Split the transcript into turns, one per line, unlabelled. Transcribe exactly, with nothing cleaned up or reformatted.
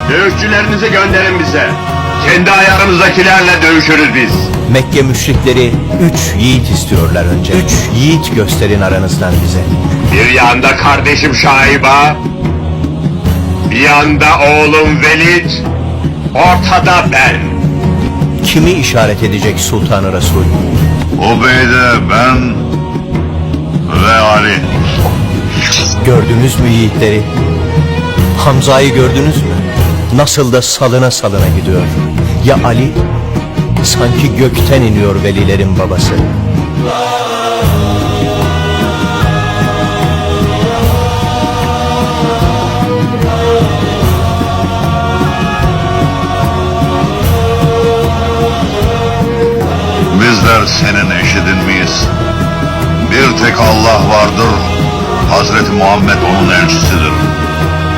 Dövüşçülerinizi gönderin bize. Kendi ayarımızdakilerle dövüşürüz biz.
Mekke müşrikleri üç yiğit istiyorlar önce. Üç yiğit gösterin aranızdan bize.
Bir yanda kardeşim Şaiba, bir yanda oğlum Velid, ortada ben.
Kimi işaret edecek Sultan-ı Resul?
Ubeyde, ben ve Ali.
Gördünüz mü yiğitleri? Hamza'yı gördünüz mü? Nasıl da salına salına gidiyor. Ya Ali? Sanki gökten iniyor velilerin babası.
Bizler senin eşidin miyiz? Bir tek Allah vardır. Hazreti Muhammed onun elçisidir.